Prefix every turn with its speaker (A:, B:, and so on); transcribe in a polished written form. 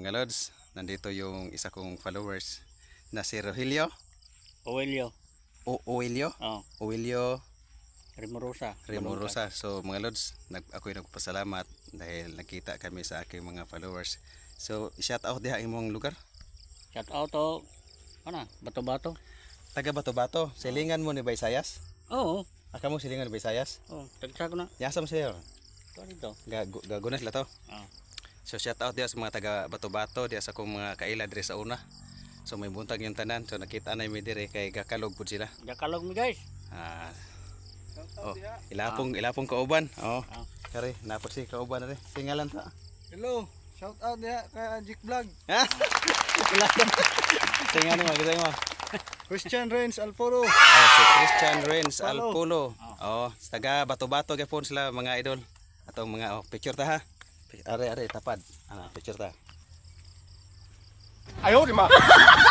A: mga lods, nandito yung isa kong followers na si Rogelio.
B: Oelio.
A: Oelio?
B: Oh,
A: Oelio
B: Remorosa.
A: Remorosa. So mga lods, ako'y nagpasalamat dahil nakita kami sa aking mga followers. So shout out diha imong lugar.
B: Shout out to, Bato-Bato.
A: Taga Bato-Bato. Silingan mo ni Baysayas?
B: Oo.
A: Aka mo silingan ni Baysayas?
B: Oh, tagsa ko na.
A: Yasa mo sila.
B: Ito dito.
A: Gagunas la to.
B: Oh.
A: So shout out diha sa mga taga Bato-Bato, diha sa akong mga kaila diri sa una. So may buntag yung tanan. So nakita na mi diri kay gakalog pud sila.
B: Jakalog mi guys.
A: Ah. Oh, ilapong kauban. Oh. Kare, napod si kauban na rin. Singalan ta.
C: Hello, shout out ya kay Ajik Vlog.
A: Singalan mo, kita mo.
C: Christian Renz Alforo.
A: Si Christian Renz
C: Alpolo.
A: Alpolo. Oh, taga Bato-Bato gyapon sila mga idol. Atong mga picture ta ha. Are tapad. Ana picture ta.
C: Ayaw di ma.